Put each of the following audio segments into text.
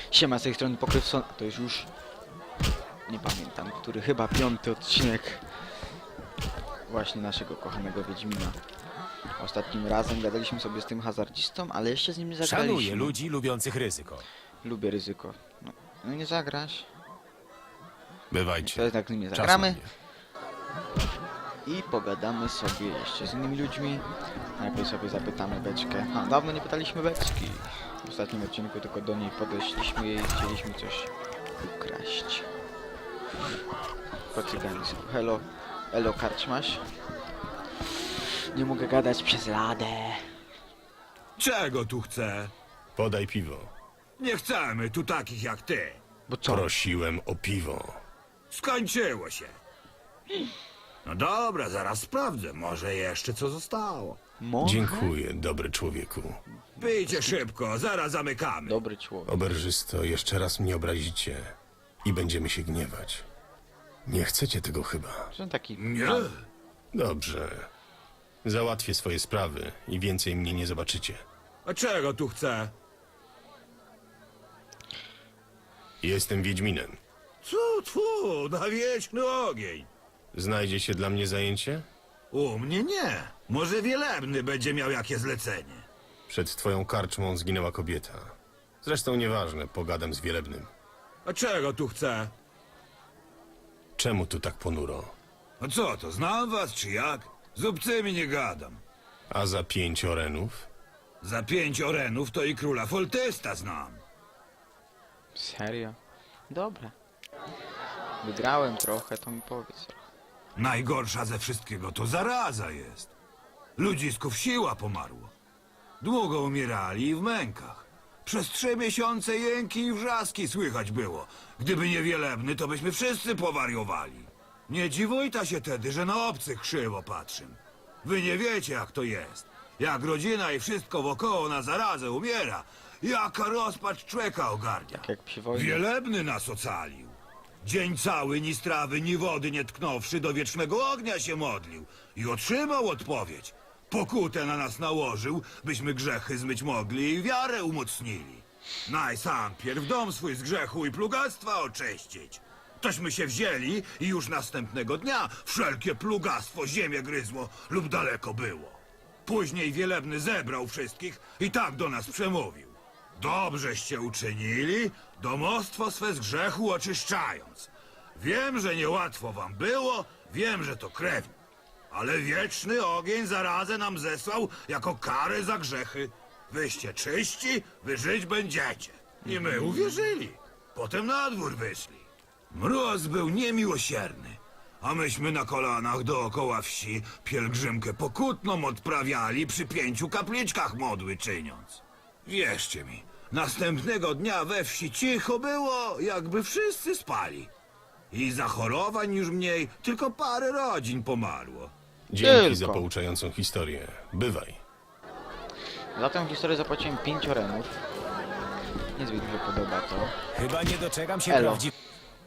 Siema, z tej strony Pokrywson, a to jest już... nie pamiętam, który chyba 5. odcinek właśnie naszego kochanego Wiedźmina. Ostatnim razem gadaliśmy sobie z tym hazardzistą, ale jeszcze z nim nie zagraliśmy. Szanuję ludzi lubiących ryzyko. Lubię ryzyko. No nie zagrasz. To Bywajcie. jest jak z nim nie Czas zagramy. na mnie. I pogadamy sobie jeszcze z innymi ludźmi. Najpierw sobie zapytamy Beczkę. A, dawno nie pytaliśmy Beczki. W ostatnim odcinku tylko do niej podeszliśmy i chcieliśmy coś ukraść. Po cygańsku. Hello. Elo, karczmasz? Nie mogę gadać przez ladę. Czego tu chce? Podaj piwo. Nie chcemy tu takich jak ty. Bo co? Prosiłem o piwo. Skończyło się. No dobra, zaraz sprawdzę. Może jeszcze co zostało. Może? Dziękuję, dobry człowieku. Pijcie szybko, zaraz zamykamy. Dobry człowiek. Oberżysto, jeszcze raz mnie obrazicie i będziemy się gniewać. Nie chcecie tego chyba. Że taki... Nie? Dobrze. Załatwię swoje sprawy i więcej mnie nie zobaczycie. A czego tu chce? Jestem Wiedźminem. Tfu, na wieczny ogień. Znajdzie się dla mnie zajęcie? U mnie nie. Może Wielebny będzie miał jakie zlecenie. Przed twoją karczmą zginęła kobieta. Zresztą nieważne, pogadam z Wielebnym. A czego tu chce? Czemu tu tak ponuro? A co to, znam was czy jak? Z obcymi nie gadam. A za 5 orenów? Za 5 orenów to i króla Foltesta znam. Serio? Dobra. Wygrałem trochę, to mi powiedz. Najgorsza ze wszystkiego to zaraza jest. Ludzisków siła pomarło. Długo umierali i w mękach. Przez 3 miesiące jęki i wrzaski słychać było. Gdyby nie Wielebny, to byśmy wszyscy powariowali. Nie dziwujta się tedy, że na obcych krzywo patrzę. Wy nie wiecie, jak to jest. Jak rodzina i wszystko wokoło na zarazę umiera, jaka rozpacz człowieka ogarnia. Tak jak przy wojnie. Wielebny nas ocalił. Dzień cały ni strawy, ni wody nie tknąwszy, do wiecznego ognia się modlił i otrzymał odpowiedź. Pokutę na nas nałożył, byśmy grzechy zmyć mogli i wiarę umocnili. Naj sam pierw dom swój z grzechu i plugastwa oczyścić. Tośmy się wzięli i już następnego dnia wszelkie plugastwo ziemię gryzło lub daleko było. Później Wielebny zebrał wszystkich i tak do nas przemówił. Dobrzeście uczynili, domostwo swe z grzechu oczyszczając. Wiem, że niełatwo wam było, wiem, że to krewni. Ale wieczny ogień zarazę nam zesłał jako karę za grzechy. Wyście czyści, wy żyć będziecie. I my uwierzyli. Potem na dwór wyszli. Mróz był niemiłosierny, a myśmy na kolanach dookoła wsi pielgrzymkę pokutną odprawiali przy 5 kapliczkach modły czyniąc. Wierzcie mi, następnego dnia we wsi cicho było, jakby wszyscy spali. I zachorowań już mniej, tylko parę rodzin pomarło. Dzięki Tylko. za pouczającą historię. Bywaj. Za tę historię zapłaciłem 5 orenów. Niezbyt mi się podoba to. Chyba nie doczekam się Elo. prawdziwego.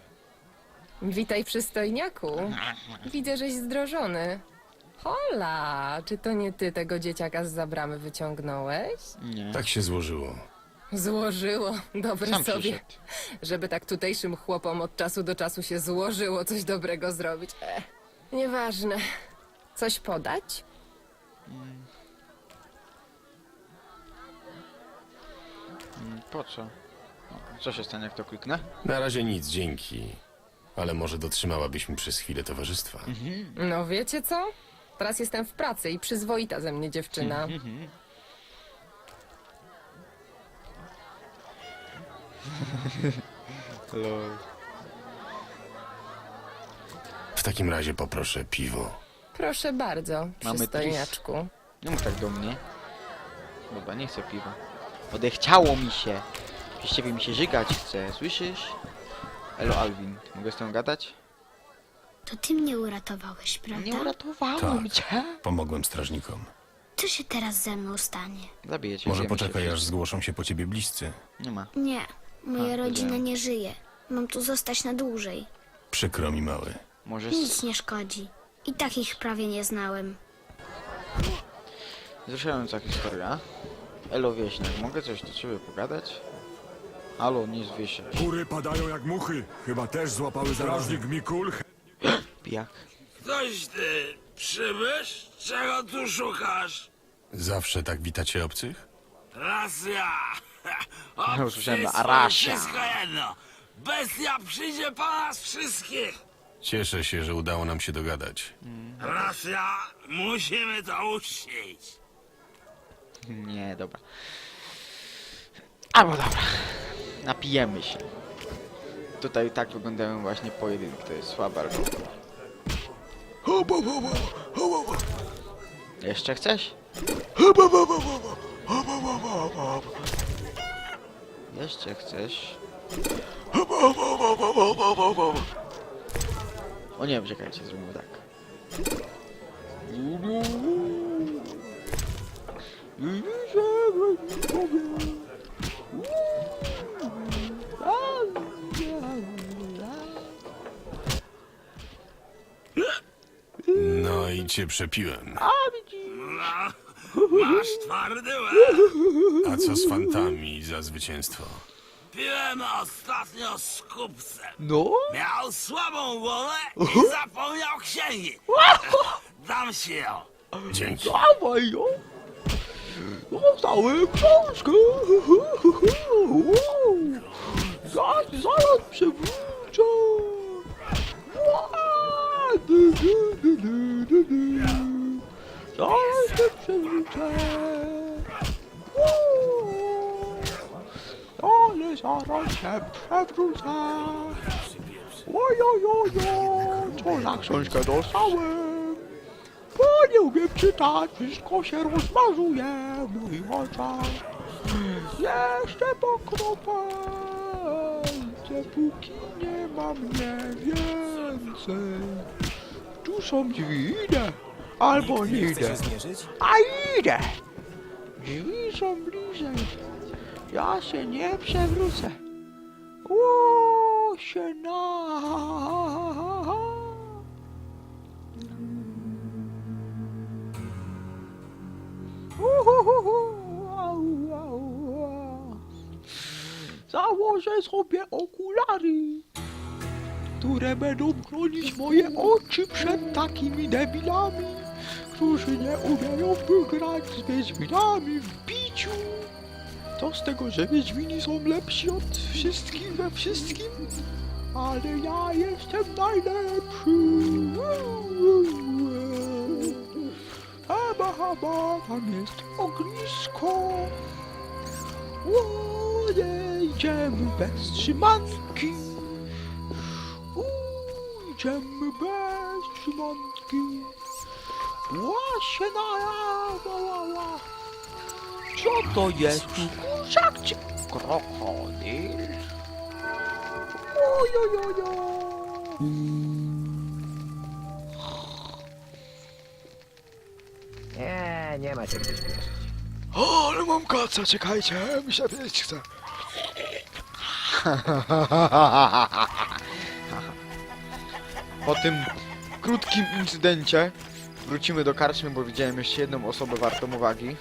Witaj, przystojniaku. Widzę, żeś zdrożony. Hola, czy to nie ty tego dzieciaka z bramy wyciągnąłeś? Nie. Tak się złożyło. Złożyło, dobre Sam sobie. przyszedł. Żeby tak tutejszym chłopom od czasu do czasu się złożyło coś dobrego zrobić. Nieważne. Coś podać? Po co? Co się stanie, jak to kliknę? Na razie nic, dzięki. Ale może dotrzymałabyś mi przez chwilę towarzystwa. No wiecie co? Teraz jestem w pracy i przyzwoita ze mnie dziewczyna. Lol. W takim razie poproszę piwo. Proszę bardzo, Mamy przystojniaczku. Nie mów tak do mnie. Dobra, nie chcę piwa. Odechciało mi się. Przez ciebie mi się żygać chce, słyszysz? Elo Alvin, mogę z tą gadać? To ty mnie uratowałeś, prawda? Nie uratowałem Tak. cię. Pomogłem strażnikom. Co się teraz ze mną stanie? Zabiję cię. Może wiemy poczekaj, się aż zgłoszą się po ciebie bliscy. Nie ma. Nie, moja A, rodzina wiedziałem. nie żyje. Mam tu zostać na dłużej. Przykro mi, mały. Może... Nic nie szkodzi. I tak ich prawie nie znałem. Wzruszająca historia. Elo Wieśniak, mogę coś do ciebie pogadać? Halo, nie zwie się. Kury padają jak muchy. Chyba też złapały strażnik Mikul. Pijak. Ktoś ty przybysz? Czego tu szukasz? Zawsze tak witacie obcych? Racja! Ja usłyszałem Obcy Rasia. Wszystko jedno. Bestia przyjdzie po nas wszystkich. Cieszę się, że udało nam się dogadać. Racja, musimy to uczcić. Nie, dobra. Albo dobra. Napijemy się. Tutaj tak wyglądają właśnie pojedynki. To jest słabe albo... Jeszcze chcesz? Jeszcze chcesz? O nie, czekajcie, zrobimy tak. No i cię przepiłem. No, masz twardy łeb. A co z fantami za zwycięstwo? Piłem ostatnio z kupcem. No? Miał słabą głowę i zapomniał księgi. Dam ci ją. Dzięki. Dawaj ją! Dostałem książkę! Zaraz przewrócę! Zaraz się przewrócę! Ale zaraz się przewrócę! Ojojojo! Co za książkę dostałem? Bo nie umiem czytać, wszystko się rozmazuje w moich oczach. Jeszcze pokropę, póki nie ma mnie więcej. Tu są drzwi, idę, albo nie Nie chce idę. się zmierzyć? A idę! Drzwi są bliżej. Ja się nie przewrócę. O, się na. Założę sobie okulary, które będą chronić moje oczy przed takimi debilami, którzy nie umieją wygrać z Wiedźminami w biciu. To z tego, że Wiedźmini są lepsi od wszystkich we wszystkim, ale ja jestem najlepszy. Haba, tam jest ognisko. Idziemy bez trzymanki. Idziemy bez trzymanki. Łasie na. Co to jest? Kurczak czy krokodyl? Ojojojo. Nie ma się gdzie śpieszyć. O, ale mam kaca, czekajcie, mi się pieć chce. Po tym krótkim incydencie wrócimy do karczmy, bo widziałem jeszcze jedną osobę wartą uwagi.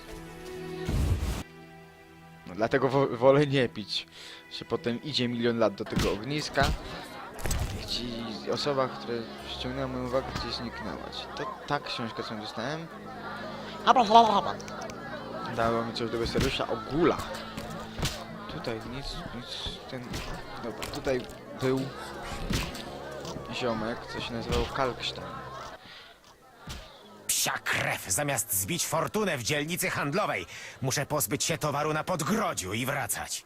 No, dlatego wolę nie pić. Że potem idzie milion lat do tego ogniska. I osoba, która ściągnęła moją uwagę, gdzieś zniknęła. To ta książka, co dostałem. Dało mi coś do Westerusza o gulach. Tutaj nic, ten... Dobra, tutaj był ziomek, co się nazywał Kalkstein. Psia krew, zamiast zbić fortunę w dzielnicy handlowej, muszę pozbyć się towaru na podgrodziu i wracać.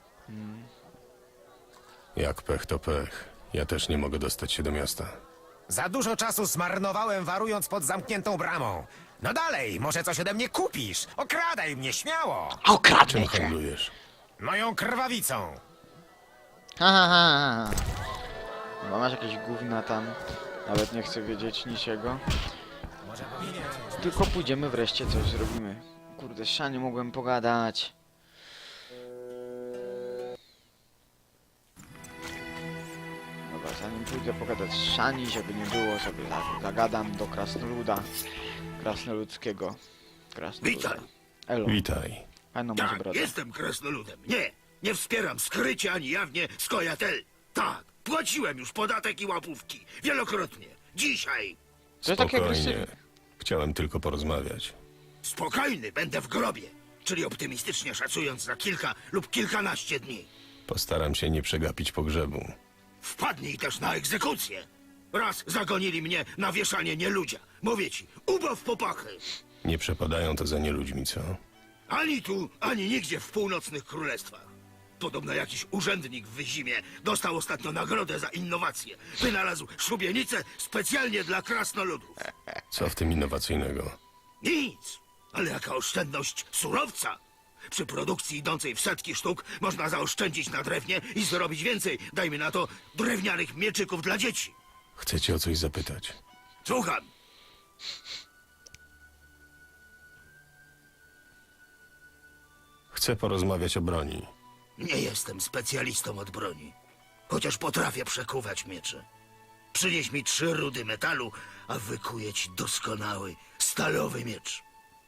Jak pech to pech. Ja też nie mogę dostać się do miasta. Za dużo czasu zmarnowałem warując pod zamkniętą bramą. No dalej, może coś ode mnie kupisz. Okradaj mnie, śmiało. Czym handlujesz? Moją krwawicą. Ha. Chyba masz jakieś gówna tam. Nawet nie chcę wiedzieć niczego. Tylko pójdziemy wreszcie coś zrobimy. Kurde, z Shani mogłem pogadać. Dobra, zanim pójdę pogadać z Shani, żeby nie było, sobie zagadam do krasnoluda. Krasnoludzkiego. Krasnoluda. Witaj. Elo, Witaj. fajną masz Tak, brodę. jestem krasnoludem. Nie, Nie wspieram skrycie ani jawnie Skojatel. Tak, płaciłem już podatek i łapówki. Wielokrotnie. Dzisiaj. Co takie Spokojnie. agresywne? Chciałem tylko porozmawiać. Spokojny będę w grobie. Czyli optymistycznie szacując za kilka lub kilkanaście dni. Postaram się nie przegapić pogrzebu. Wpadnij też na egzekucję. Raz zagonili mnie na wieszanie nieludzia. Mówię ci, ubaw popachy. Nie przepadają to za nieludźmi, co? Ani tu, ani nigdzie w północnych królestwach. Podobno jakiś urzędnik w Wyzimie dostał ostatnio nagrodę za innowację. Wynalazł szubienicę specjalnie dla krasnoludów. Co w tym innowacyjnego? Nic, ale jaka oszczędność surowca. Przy produkcji idącej w setki sztuk można zaoszczędzić na drewnie i zrobić więcej, dajmy na to, drewnianych mieczyków dla dzieci. Chcecie o coś zapytać? Słucham. Chcę porozmawiać o broni. Nie jestem specjalistą od broni, chociaż potrafię przekuwać miecze. Przynieś mi 3 rudy metalu, a wykuję ci doskonały, stalowy miecz.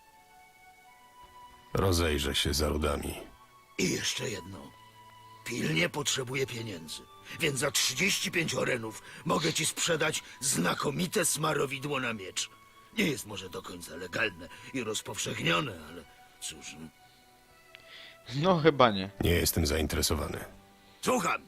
Rozejrzę się za rudami. I jeszcze jedno. Pilnie potrzebuję pieniędzy, więc za 35 orenów mogę ci sprzedać znakomite smarowidło na miecz. Nie jest może do końca legalne i rozpowszechnione, ale cóż... No chyba nie. Nie jestem zainteresowany. Słucham.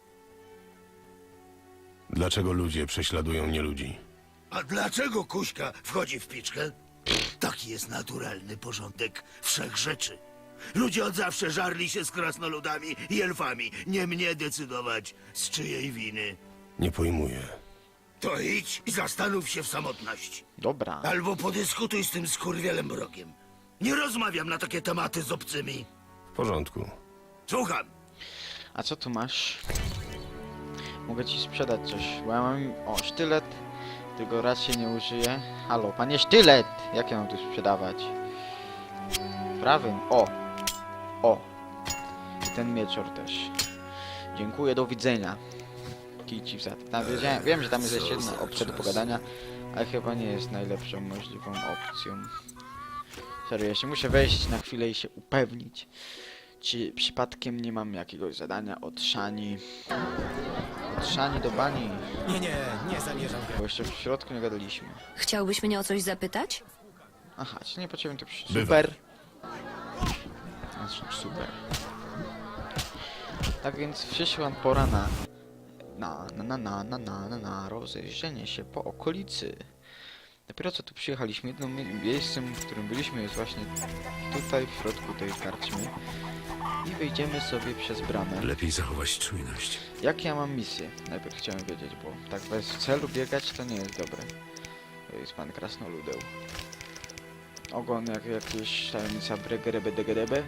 Dlaczego ludzie prześladują nieludzi? A dlaczego Kuśka wchodzi w piczkę? Taki jest naturalny porządek wszechrzeczy. Ludzie od zawsze żarli się z krasnoludami i elfami. Nie mnie decydować, z czyjej winy. Nie pojmuję. To idź i zastanów się w samotności. Dobra. Albo podyskutuj z tym skurwielem mrogiem. Nie rozmawiam na takie tematy z obcymi. W porządku. Słucham. A co tu masz? Mogę ci sprzedać coś, bo ja mam... O, sztylet. Tego raczej nie użyję. Halo, panie sztylet! Jak ja mam tu sprzedawać? Prawym. O! O! I ten mieczor też. Dziękuję, do widzenia. Kij ci w zad. Tam wiem, że tam jest jeszcze jedna opcja do pogadania, ale chyba nie jest najlepszą możliwą opcją. Serio, jeszcze muszę wejść na chwilę i się upewnić, czy przypadkiem nie mam jakiegoś zadania od Szani. Od Szani do Bani. Nie zamierzam grać. Bo jeszcze w środku nie gadaliśmy. Chciałbyś mnie o coś zapytać? Aha, czy nie potrzebujemy to przy... Bywa. Super. Znaczy, super. Tak więc przyszła pora na rozejrzenie się po okolicy. Dopiero co tu przyjechaliśmy, jednym miejscem, w którym byliśmy, jest właśnie tutaj, w środku tej karczmy. I wyjdziemy sobie przez bramę. Lepiej zachować czujność. Jak ja mam misję? Najpierw chciałem wiedzieć, bo tak bez celu biegać to nie jest dobre. To jest pan krasnoludeł. Ogon jak jakieś tajemnica bregerebedegedebe.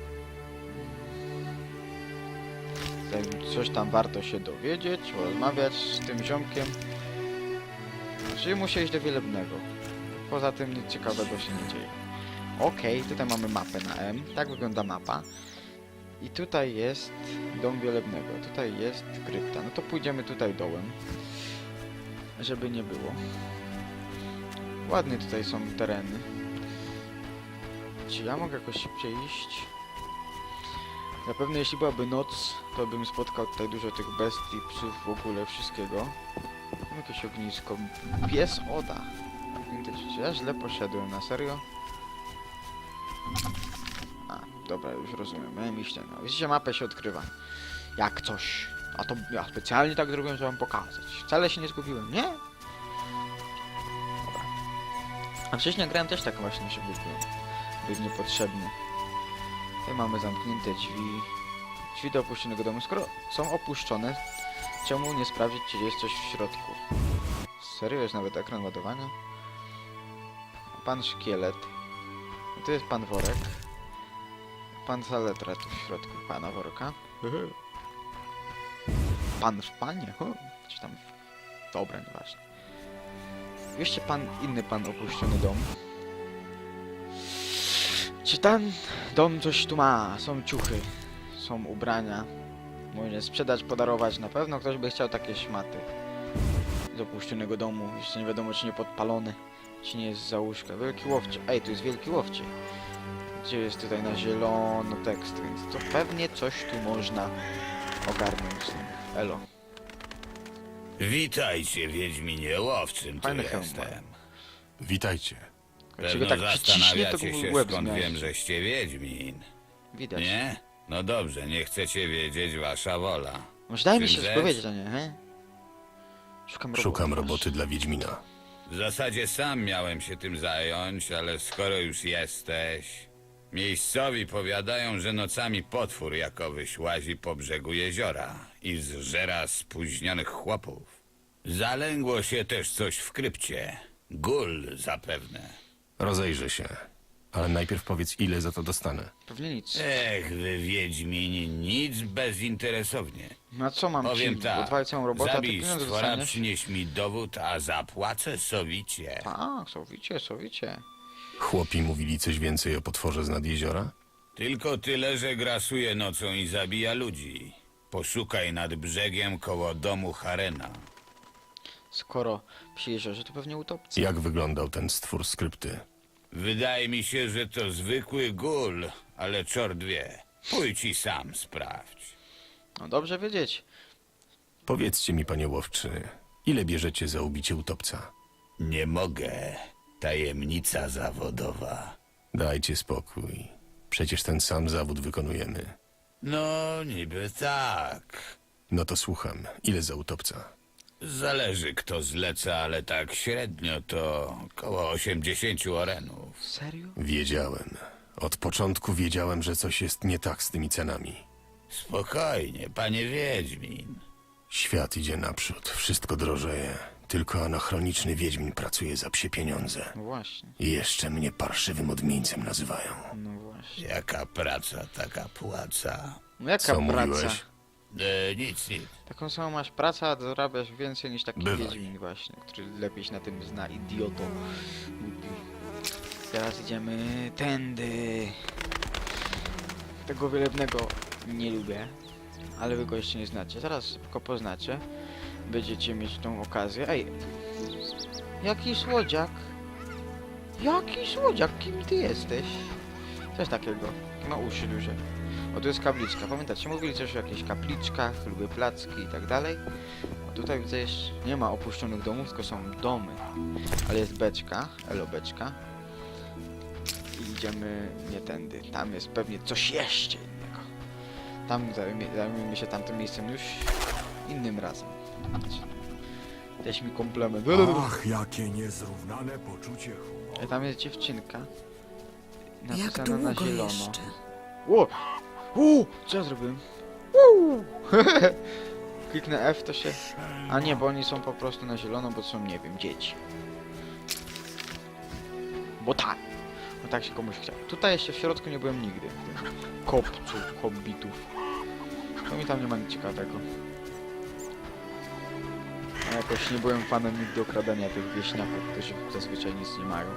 Coś tam warto się dowiedzieć, porozmawiać z tym ziomkiem. Czyli muszę iść do Wielebnego. Poza tym nic ciekawego się nie dzieje. Okej, tutaj mamy mapę na M. Tak wygląda mapa. I tutaj jest dom Wielebnego. Tutaj jest krypta. No to pójdziemy tutaj dołem. Żeby nie było. Ładnie tutaj są tereny. Czy ja mogę jakoś szybciej iść? Zapewne jeśli byłaby noc, to bym spotkał tutaj dużo tych bestii, psów, w ogóle wszystkiego. Mam jakieś ognisko. Pies Oda. Czy ja źle poszedłem, na serio? A, dobra, już rozumiem. Miałem iść ten. Widzicie, mapę się odkrywa. Jak coś. A to ja specjalnie tak zrobiłem, żeby wam pokazać. Wcale się nie zgubiłem, nie? Dobra. A wcześniej grałem też tak właśnie, żeby być niepotrzebny. Tutaj mamy zamknięte drzwi. Drzwi do opuszczonego domu. Skoro są opuszczone, czemu nie sprawdzić, czy jest coś w środku? Serio? Jest nawet ekran ładowania? Pan szkielet. Tu jest pan worek. Pan saletra tu w środku pana worka. Pan w panie? Czy tam... Dobra, nieważne. Jeszcze inny pan opuszczony dom. Czy ten dom coś tu ma? Są ciuchy, są ubrania. Można sprzedać, podarować. Na pewno ktoś by chciał takie szmaty. Z opuszczonego domu. Jeszcze nie wiadomo, czy nie podpalone, czy nie jest za łóżka. Wielki łowczy. Ej, tu jest wielki łowczy. Gdzie jest tutaj na zielono tekst, więc to pewnie coś tu można ogarnąć z tym. Elo. Witajcie, Wiedźminie łowczym, tu Fajny hełm jestem. Witajcie. Jak się go Pewno tak przyciśnie, to zastanawiacie się, łeb skąd zmiażdży. wiem, żeście Wiedźmin. Widać. Nie? No dobrze, nie chcecie wiedzieć, wasza wola. Może daj mi Czym się rzecz? powiedzieć, a nie, he? Szukam roboty dla Wiedźmina. W zasadzie sam miałem się tym zająć, ale skoro już jesteś... Miejscowi powiadają, że nocami potwór jakowyś łazi po brzegu jeziora i zżera spóźnionych chłopów. Zalęgło się też coś w krypcie. Gul zapewne. Rozejrzę się. Ale najpierw powiedz, ile za to dostanę. Pewnie nic. Ech, wy Wiedźmini, nic bezinteresownie. No a co mam Powiem ci tak, odwalić całą robotę, a ty zabij pieniądze stwora, dostaniesz? przynieś mi dowód, a zapłacę sowicie. Tak, sowicie, sowicie. Chłopi mówili coś więcej o potworze z nad jeziora? Tylko tyle, że grasuje nocą i zabija ludzi. Poszukaj nad brzegiem koło domu Harena. Skoro przy jeziorze, to pewnie utopcy. Jak wyglądał ten stwór z krypty? Wydaje mi się, że to zwykły gul, ale czort wie. Pójdź i sam sprawdź. No dobrze wiedzieć. Powiedzcie mi, panie łowczy, ile bierzecie za ubicie utopca? Nie mogę. Tajemnica zawodowa. Dajcie spokój. Przecież ten sam zawód wykonujemy. No, niby tak. No to słucham. Ile za utopca? Zależy kto zleca, ale tak średnio to koło 80 orenów. Serio? Wiedziałem. Od początku wiedziałem, że coś jest nie tak z tymi cenami. Spokojnie, panie Wiedźmin. Świat idzie naprzód, wszystko drożeje. Tylko anachroniczny Wiedźmin pracuje za psie pieniądze. No właśnie, I jeszcze mnie parszywym odmieńcem nazywają. no właśnie. Jaka praca, taka płaca. No jaka Co praca? mówiłeś? Nic. Taką samą masz pracę, a zarabiasz więcej niż taki Bywaj. Wiedźmin właśnie, który lepiej się na tym zna, idioto. Głupi. Teraz idziemy tędy. Tego wielebnego nie lubię, ale wy go jeszcze nie znacie. Zaraz szybko poznacie. Będziecie mieć tą okazję. Ej! Jaki słodziak! Jaki słodziak! Kim ty jesteś? Coś takiego. Ma uszy duże. O, tu jest kapliczka. Pamiętacie, mówili coś o jakichś kapliczkach, lubię placki i tak dalej. A tutaj widzę jeszcze nie ma opuszczonych domów, tylko są domy. Ale jest beczka, elo beczka. I idziemy nie tędy. Tam jest pewnie coś jeszcze innego. Tam zajmiemy się tamtym miejscem już innym razem. Też mi komplement. Ach, jakie niezrównane poczucie humoru. Tam jest dziewczynka. Jak Napisana na długo zielono. jeszcze? Ło! Co ja zrobiłem? Kliknę F to się... A nie, bo oni są po prostu na zielono, bo są, nie wiem, dzieci. Bo tak. Bo tak się komuś chciał. Tutaj jeszcze w środku nie byłem nigdy. W tym kopcu hobbitów. To mi tam nie ma nic ciekawego. A jakoś nie byłem fanem nigdy okradania tych wieśniaków, którzy zazwyczaj nic nie mają.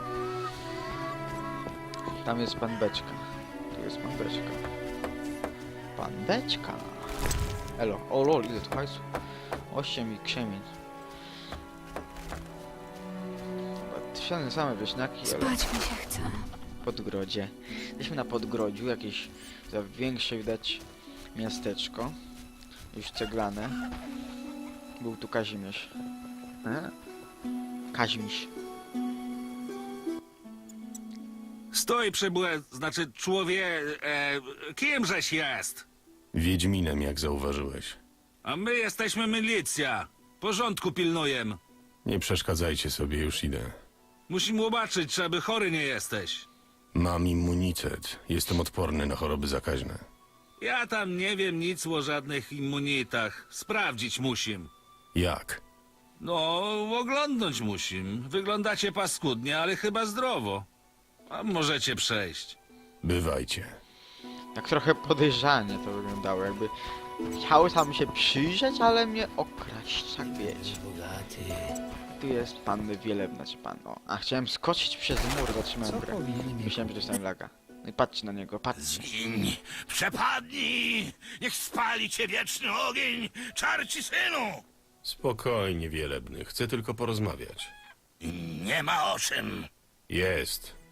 Tam jest pan Beczka. Tu jest pan Beczka. Pan Beczka. Elo. O lol, ile tu hajsu? 8 i krzemień. Chyba same wieśniaki, ale Spać mi się chce. Podgrodzie. Jesteśmy na Podgrodziu, jakieś za większe widać miasteczko. Już ceglane. Był tu Kazimierz. Kazimierz. Stój, przybłe, znaczy kimżeś jest? Wiedźminem, jak zauważyłeś. A my jesteśmy milicja. Porządku pilnujem. Nie przeszkadzajcie sobie, już idę. Musimy zobaczyć, czy aby chory nie jesteś. Mam immunitet. Jestem odporny na choroby zakaźne. Ja tam nie wiem nic o żadnych immunitach. Sprawdzić musim. Jak? No, oglądnąć musim. Wyglądacie paskudnie, ale chyba zdrowo. A możecie przejść. Bywajcie. Tak trochę podejrzanie to wyglądało, jakby chciały tam się przyjrzeć, ale mnie okraść, tak wiecie. Tu jest pan Wielebna, czy pan, o. A chciałem skoczyć przez mur, zatrzymałem grę. Myślałem, że dostałem laga. No i patrzcie na niego, patrzcie. Zgiń, przepadnij, niech spali cię wieczny ogień, czarci synu. Spokojnie, Wielebny. Chcę tylko porozmawiać. Nie ma o czym. Jest.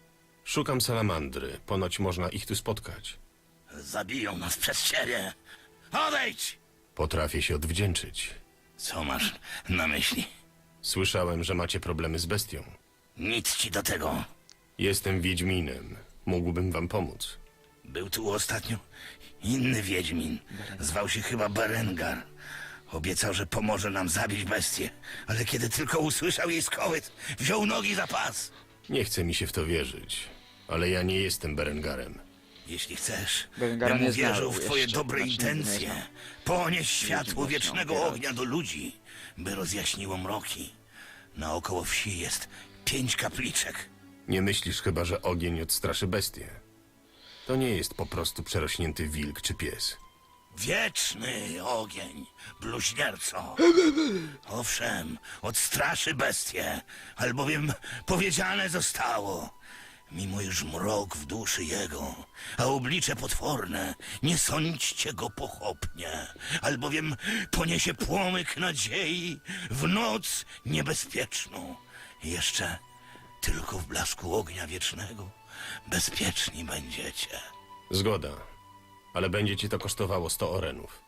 Szukam salamandry. Ponoć można ich tu spotkać. Zabiją nas przez ciebie. Odejdź! Potrafię się odwdzięczyć. Co masz na myśli? Słyszałem, że macie problemy z bestią. Nic ci do tego. Jestem Wiedźminem. Mógłbym wam pomóc. Był tu ostatnio inny wiedźmin. Zwał się chyba Berengar. Obiecał, że pomoże nam zabić bestię, ale kiedy tylko usłyszał jej skołyt, wziął nogi za pas. Nie chce mi się w to wierzyć, ale ja nie jestem Berengarem. Jeśli chcesz, Berengara bym nie uwierzył w znał twoje jeszcze, dobre znaczy nigdy nie intencje, znał. ponieść światło właśnie wiecznego opierać. ognia do ludzi, by rozjaśniło mroki. Naokoło wsi jest 5 kapliczek. Nie myślisz chyba, że ogień odstraszy bestię? To nie jest po prostu przerośnięty wilk czy pies. Wieczny ogień, bluźnierco. Owszem, odstraszy bestię, albowiem powiedziane zostało. Mimo iż mrok w duszy jego, a oblicze potworne, nie sądźcie go pochopnie, albowiem poniesie płomyk nadziei w noc niebezpieczną. Jeszcze tylko w blasku ognia wiecznego bezpieczni będziecie. Zgoda, ale będzie ci to kosztowało 100 orenów.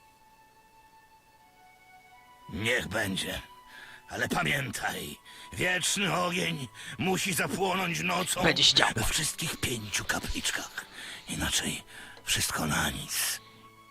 Niech będzie. Ale pamiętaj, wieczny ogień musi zapłonąć nocą Będzie się działo. we wszystkich 5 kapliczkach. Inaczej wszystko na nic.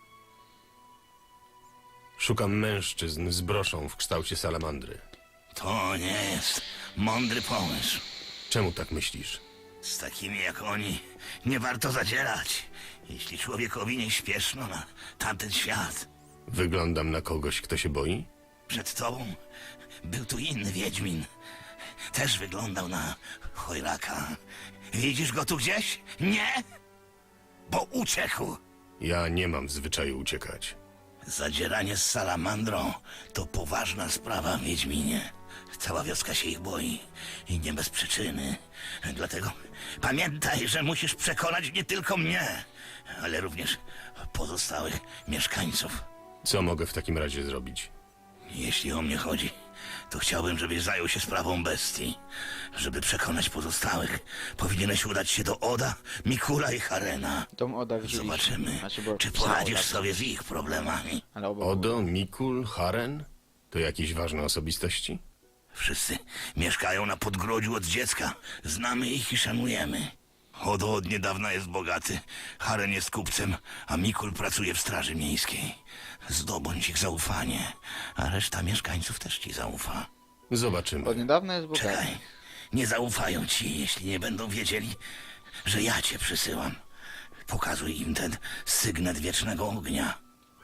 Szukam mężczyzn z broszą w kształcie salamandry. To nie jest mądry pomysł. Czemu tak myślisz? Z takimi jak oni nie warto zadzierać, jeśli człowiekowi nie śpieszno na tamten świat. Wyglądam na kogoś, kto się boi? Przed tobą był tu inny wiedźmin. Też wyglądał na chojraka. Widzisz go tu gdzieś? Nie? Bo uciekł. Ja nie mam w zwyczaju uciekać. Zadzieranie z salamandrą to poważna sprawa, wiedźminie. Cała wioska się ich boi i nie bez przyczyny. Dlatego pamiętaj, że musisz przekonać nie tylko mnie, ale również pozostałych mieszkańców. Co mogę w takim razie zrobić? Jeśli o mnie chodzi, to chciałbym, żebyś zajął się sprawą bestii. Żeby przekonać pozostałych, powinieneś udać się do Oda, Mikula i Harena. Dom Oda widzieliśmy. Zobaczymy, Znaczy, bo czy pisał poradzisz Oda, sobie z ich problemami. ale oba Odo, Mikul, Haren? To jakieś ważne osobistości? Wszyscy mieszkają na podgrodziu od dziecka. Znamy ich i szanujemy. Odo od niedawna jest bogaty, Haren jest kupcem, a Mikul pracuje w straży miejskiej. Zdobądź ich zaufanie, a reszta mieszkańców też ci zaufa. Zobaczymy. od niedawna jest bogaty. Czekaj, nie zaufają ci, jeśli nie będą wiedzieli, że ja cię przysyłam. Pokazuj im ten sygnet wiecznego ognia.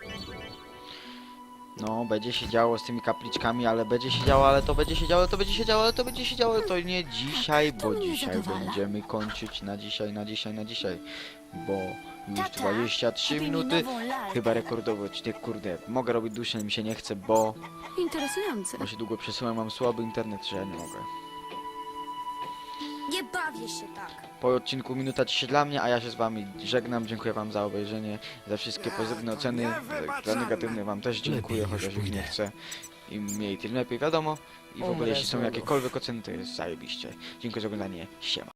No, będzie się działo z tymi kapliczkami, ale będzie się działo, ale to będzie się działo, to będzie się działo, ale to będzie się działo, to nie dzisiaj, bo mnie dzisiaj zadowala. będziemy kończyć na dzisiaj, bo już Tata, 23 kupi mi minuty, nową lalkę. chyba rekordowo odcinek, kurde, mogę robić dłużej, ale mi się nie chce, bo Interesujące. się długo przesyłam, mam słaby internet, że ja nie mogę. Nie bawię się tak. Po odcinku minuta ciszy dla mnie, a ja się z wami żegnam, dziękuję wam za obejrzenie, za wszystkie pozytywne oceny, za negatywne wam też dziękuję, Lepiej już chociaż już nie pójdę. chcę. Im mniej, tym lepiej, wiadomo. I w ogóle Umrę jeśli są z głodu. jakiekolwiek oceny, to jest zajebiście. Dziękuję za oglądanie, siema.